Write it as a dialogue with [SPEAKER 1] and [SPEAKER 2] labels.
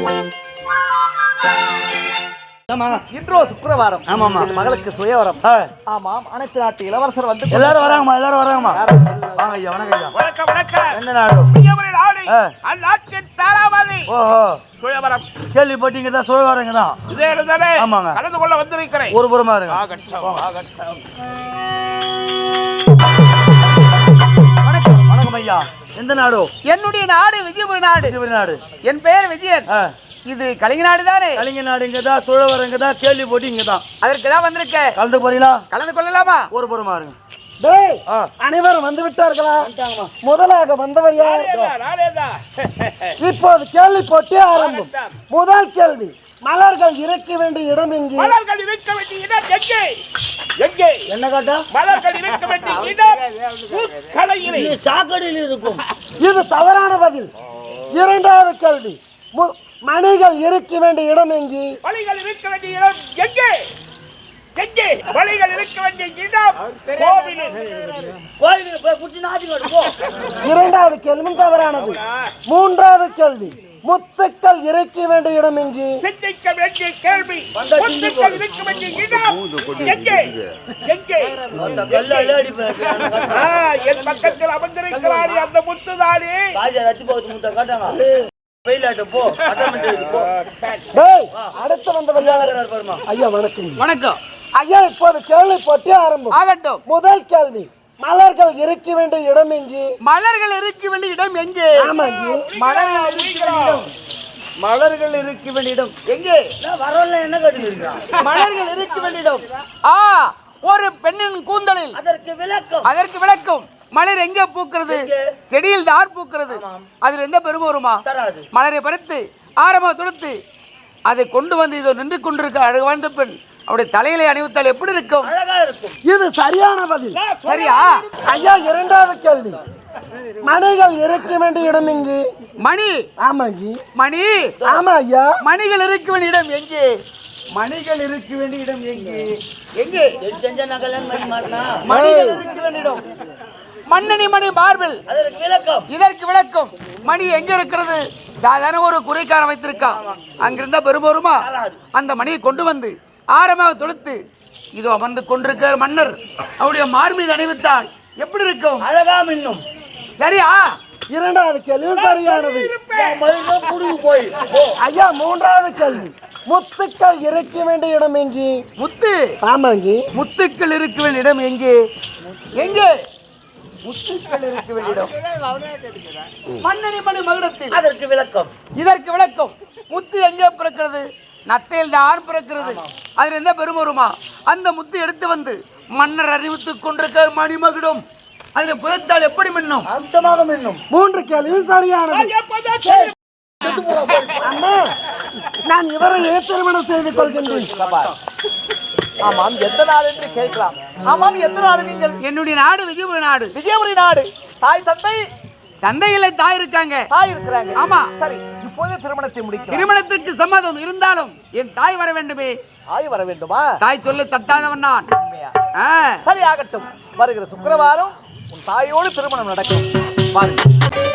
[SPEAKER 1] இன்றோ சுக்கிரவாரம்.
[SPEAKER 2] ஆமாமா.
[SPEAKER 1] மகளுக்கு சுயவரம். ஆமாம், அனைத்து நாட்டு இளவரசர் வந்து
[SPEAKER 2] எல்லாரும் வராங்கம்மா, எல்லாரும் வராங்கம்மா. வாங்க ஐயா, வணக்கம் ஐயா.
[SPEAKER 3] வணக்கம் வணக்கம்.
[SPEAKER 2] எந்த நாடு?
[SPEAKER 3] விஜயபுரி நாடு. அந்நாட்டின் தாராபதி.
[SPEAKER 2] ஓஹோ,
[SPEAKER 3] சுயவரம்.
[SPEAKER 2] கேள்விப்பட்டீங்க தான், சுயவரங்க தான்.
[SPEAKER 3] இதே இடத்தானே
[SPEAKER 2] ஆமாங்க.
[SPEAKER 3] கலந்து கொள்ள வந்திருக்கிறேன்.
[SPEAKER 2] ஒரு புறமா இருங்க. வணக்கம் வணக்கம் ஐயா. எந்த நாடு?
[SPEAKER 4] என்னுடைய நாடு விஜயபுரி நாடு.
[SPEAKER 2] விஜயபுரி நாடு.
[SPEAKER 4] என் பெயர் விஜயன். இது கலிங்க நாடு தானே?
[SPEAKER 2] கலிங்க நாடு இங்க தான், சுழவரங்க தான், கேள்வி போட்டு இங்க தான்.
[SPEAKER 4] அதற்கு தான் வந்திருக்கேன்.
[SPEAKER 2] கலந்து போறீங்களா?
[SPEAKER 4] கலந்து கொள்ளலாமா?
[SPEAKER 2] ஒரு புறமா இருங்க.
[SPEAKER 1] அனைவரும் வந்து விட்டார்களா? முதலாக வந்தவர் யார்? இப்போது கேள்வி போட்டி ஆரம்பம். முதல் கேள்வி, மலர்கள் இருக்க வேண்டிய இடம் எங்கே?
[SPEAKER 3] மலர்கள் இருக்க வேண்டிய இடம் எங்கே? எங்கே?
[SPEAKER 2] என்ன கேட்டா?
[SPEAKER 3] மலர்கள் இருக்க வேண்டிய இடம் புஷ்கலையிலே.
[SPEAKER 2] சாக்கடையில் இருக்கும்.
[SPEAKER 1] இது தவறான பதில். இரண்டாவது கேள்வி, மணிகள் இருக்க வேண்டிய இடம் எங்கே?
[SPEAKER 3] மணிகள் இருக்க வேண்டிய இடம் எங்கே? எங்கே? மணிகள் இருக்க வேண்டிய இடம் கோவிலில்.
[SPEAKER 2] கோயிலுக்கு போய் குச்சி நாதி போ.
[SPEAKER 1] இரண்டாவது கேள்வி தவறானது. மூன்றாவது கேள்வி, முத்துக்கள் இருக்க வேண்டிய இடம் எங்கே?
[SPEAKER 3] சிந்திக்க வேண்டிய கேள்வி. முத்துக்கள் இருக்க வேண்டிய இடம் எங்கே? எங்கே? என் பக்கத்தில் அமர்ந்திருக்கிறாரே அந்த முத்துதானே.
[SPEAKER 1] அடுத்து வந்தவர் ஐயா வணக்கம்.
[SPEAKER 4] வணக்கம்
[SPEAKER 1] ஐயா, இப்போது கேள்வி போட்டி ஆரம்பம்.
[SPEAKER 4] ஆகட்டும்.
[SPEAKER 1] முதல் கேள்வி, மலர்கள் இருக்க வேண்டிய இடம் எங்கே?
[SPEAKER 4] மலர்கள் இருக்க வேண்டிய இடம் எங்கே?
[SPEAKER 1] மலர்கள் இருக்க வேண்டிய இடம்.
[SPEAKER 2] மலர்கள் இருக்க வேண்டிய இடம்
[SPEAKER 4] எங்கே?
[SPEAKER 2] வரல என்ன கேட்டு
[SPEAKER 4] மலர்கள் இருக்க வேண்டிய இடம் ஒரு பெண்ணின் கூந்தலில். அதற்கு விளக்கம். மலர் எங்கே பூக்கிறது? செடியில் தான் பூக்கிறது. அதில் எந்த பெருமை வருமா? மலரை பறித்து ஆரம்ப தொடுத்து அதை கொண்டு வந்து இதோ நின்று கொண்டிருக்க அழகு வாழ்ந்த பெண் அவருடைய தலையிலே அணிவித்தால் எப்படி இருக்கும்?
[SPEAKER 2] அழகா இருக்கும்.
[SPEAKER 1] இது சரியான பதில்.
[SPEAKER 4] சரியா?
[SPEAKER 1] ஐயா, இரண்டாவது கேள்வி, மணிகள் இருக்க வேண்டிய இடம் எங்கே?
[SPEAKER 4] மணி.
[SPEAKER 1] ஆமாஜி.
[SPEAKER 4] மணி.
[SPEAKER 1] ஆமா ஐயா.
[SPEAKER 4] மணிகள் இருக்க வேண்டிய இடம் எங்கே?
[SPEAKER 2] மணிகள் இருக்க வேண்டிய இடம் எங்கே?
[SPEAKER 4] எங்கே? மணிகள் இருக்க வேண்டிய இடம் மண்ணணி மணி மார்பிள். இதற்கு விளக்கம். மணி எங்க இருக்கிறது? சாதாரண ஒரு குறைக்காரன் வைத்திருக்கான். அங்கிருந்தா பெருமருமா? அந்த மணியை கொண்டு வந்து ஆரமாக தொடுத்து இதோ அமர்ந்து கொண்டிருக்கிற மன்னர் அவருடைய மார்மீது அணிவித்தால் எப்படி இருக்கும்?
[SPEAKER 2] அழகா மின்னும்.
[SPEAKER 4] சரியா?
[SPEAKER 1] இரண்டாவது கேள்வி சரியானது.
[SPEAKER 2] போய்
[SPEAKER 1] ஐயா, மூன்றாவது கேள்வி, முத்துக்கள் இருக்க வேண்டிய இடம் எங்கே?
[SPEAKER 4] முத்து.
[SPEAKER 1] ஆமாங்கி.
[SPEAKER 4] முத்துக்கள் இருக்க வேண்டிய இடம் எங்கே? எங்கே?
[SPEAKER 2] முத்துக்கள் இருக்க வேண்டிய இடம்
[SPEAKER 4] மண்ணணி மணி மகுடத்தில்.
[SPEAKER 2] அதற்கு விளக்கம்.
[SPEAKER 4] இதற்கு விளக்கம். முத்து எங்கே பிறக்கிறது? நத்தையில் தான் பிறக்கிறது. அதில் எந்த பெருமருமா? அந்த முத்து எடுத்து வந்து மன்னர் அறிவித்துக் கொண்டிருக்கிற மணிமகுடம் அதில் புதைத்தால் எப்படி மின்னும்?
[SPEAKER 2] அம்சமாக மின்னும்.
[SPEAKER 1] மூன்று கேள்வி சரியானது. அம்மா, நான் இவரை திருமணம் செய்து கொள்கின்றேன்.
[SPEAKER 5] ஆமாம், எந்த நாடு என்று கேட்கலாம். ஆமாம், எந்த நாடு நீங்கள்?
[SPEAKER 4] என்னுடைய நாடு விஜயபுரி நாடு.
[SPEAKER 5] விஜயபுரி நாடு. தாய் தந்தை?
[SPEAKER 4] தந்தை இல்லை, தாய் இருக்காங்க.
[SPEAKER 5] தாய் இருக்கிறாங்க.
[SPEAKER 4] ஆமா.
[SPEAKER 5] சரி, இப்போதே திருமணத்தை முடிக்க.
[SPEAKER 4] திருமணத்திற்கு சம்மதம் இருந்தாலும் என் தாய் வர வேண்டுமே.
[SPEAKER 5] தாய் வர வேண்டுமா?
[SPEAKER 4] தாய் சொல்ல தட்டாதவன் நான்.
[SPEAKER 5] சரி, ஆகட்டும். வருகிற சுக்கிரவாரம் உன் தாயோடு திருமணம் நடக்கும். பாருங்க.